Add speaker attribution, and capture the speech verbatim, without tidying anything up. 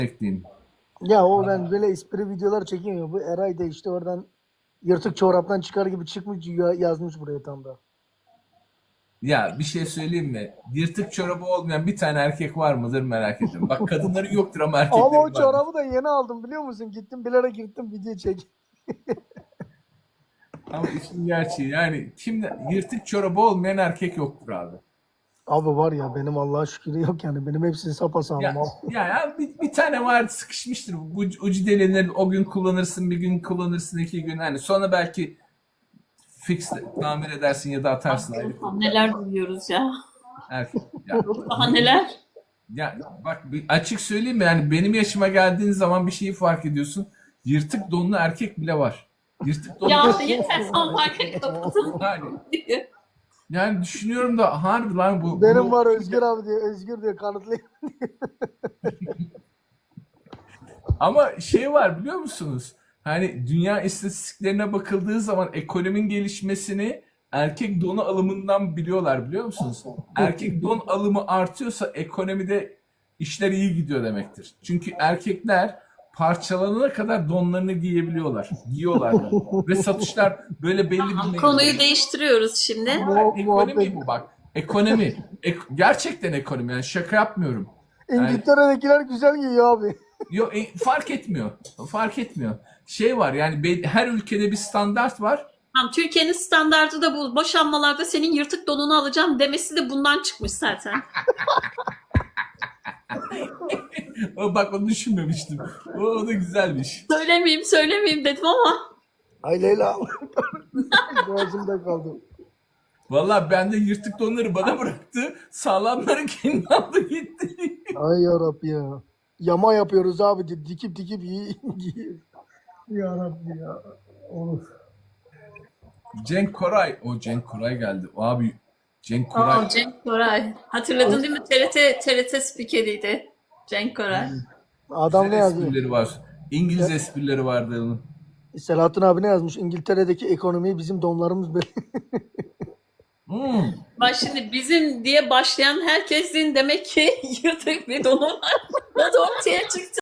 Speaker 1: ekleyeyim.
Speaker 2: Ya o ben böyle espri videolar çekiyorum ya. Bu Eray da işte oradan yırtık çoraptan çıkar gibi çıkmış ya- yazmış buraya tam da.
Speaker 1: Ya bir şey söyleyeyim mi? Yırtık çorabı olmayan bir tane erkek var mıdır merak ediyorum. Bak kadınların yoktur ama
Speaker 2: Ama o
Speaker 1: erkeklerin vardır.
Speaker 2: çorabı da yeni aldım biliyor musun? Gittim bilerek gittim video çek.
Speaker 1: Ama işin gerçeği yani kimde yırtık çorabı olmayan erkek yoktur abi.
Speaker 2: Abi var ya benim Allah'a şükür yok yani. Benim hepsi sapasağlam
Speaker 1: Ya
Speaker 2: abi.
Speaker 1: ya, ya bir, bir tane var sıkışmıştır. Bu ucu delinir, o gün kullanırsın, bir gün kullanırsın, iki gün. Hani sonra belki fix tamir edersin ya da atarsın ayrı konu.
Speaker 3: Neler duyuyoruz ya.
Speaker 1: Erkek. Ya,
Speaker 3: Daha neler?
Speaker 1: ya bak bir açık söyleyeyim mi? Yani benim yaşıma geldiğin zaman bir şeyi fark ediyorsun. Yırtık donlu erkek bile var. Yırtık donlu
Speaker 3: Ya yeter son marka kapatın.
Speaker 1: yani, yani düşünüyorum da harbi lan bu.
Speaker 2: Benim
Speaker 1: bunu-
Speaker 2: var Özgür abi diye. Özgür diye kanıtlayayım.
Speaker 1: Ama şey var biliyor musunuz? Hani dünya istatistiklerine bakıldığı zaman ekonominin gelişmesini erkek donu alımından biliyorlar biliyor musunuz? Erkek don alımı artıyorsa ekonomide işler iyi gidiyor demektir. Çünkü erkekler parçalanana kadar donlarını giyebiliyorlar. Giyiyorlar da. Ve satışlar böyle belli bir
Speaker 3: Konuyu değiştiriyoruz şimdi.
Speaker 2: Mu-
Speaker 1: Ekonomi
Speaker 2: muhabbet.
Speaker 1: bu bak. Ekonomi. Ek- gerçekten ekonomi. Yani şaka yapmıyorum. Yani
Speaker 2: İngiltere'dekiler güzel giyiyor abi.
Speaker 1: Yok e, fark etmiyor. Fark etmiyor. Şey var yani be- her ülkede bir standart var.
Speaker 3: Tamam, Türkiye'nin standardı da bu. Boşanmalarda senin yırtık donunu alacağım demesi de bundan çıkmış zaten.
Speaker 1: O, bak onu düşünmemiştim. O, o da güzelmiş.
Speaker 3: Söylemeyeyim söylemeyeyim dedim ama.
Speaker 2: Ay Leyla. Boğazımda kaldı.
Speaker 1: Vallahi ben de yırtık donları bana bıraktı. Sağlamları kendi aldı gitti.
Speaker 2: Ay yarabbi ya. Yama yapıyoruz abi. di- Dikip dikip giy- giyiyoruz. Yarabbi ya. Olur.
Speaker 1: Cenk Koray. O Cenk Koray geldi. O abi Cenk Koray.
Speaker 3: Aa, Cenk Koray. Hatırladın değil mi? T R T T R T spikeriydi. Cenk Koray.
Speaker 2: Adam ne
Speaker 1: Güzel
Speaker 2: yazıyor?
Speaker 1: esprileri var. İngiliz esprileri vardı onun.
Speaker 2: Selahattin abi ne yazmış? İngiltere'deki ekonomiyi bizim donlarımız böyle.
Speaker 1: Hmm.
Speaker 3: Bak şimdi bizim diye başlayan herkesin demek ki yırtık bir donu var. O da ortaya çıktı.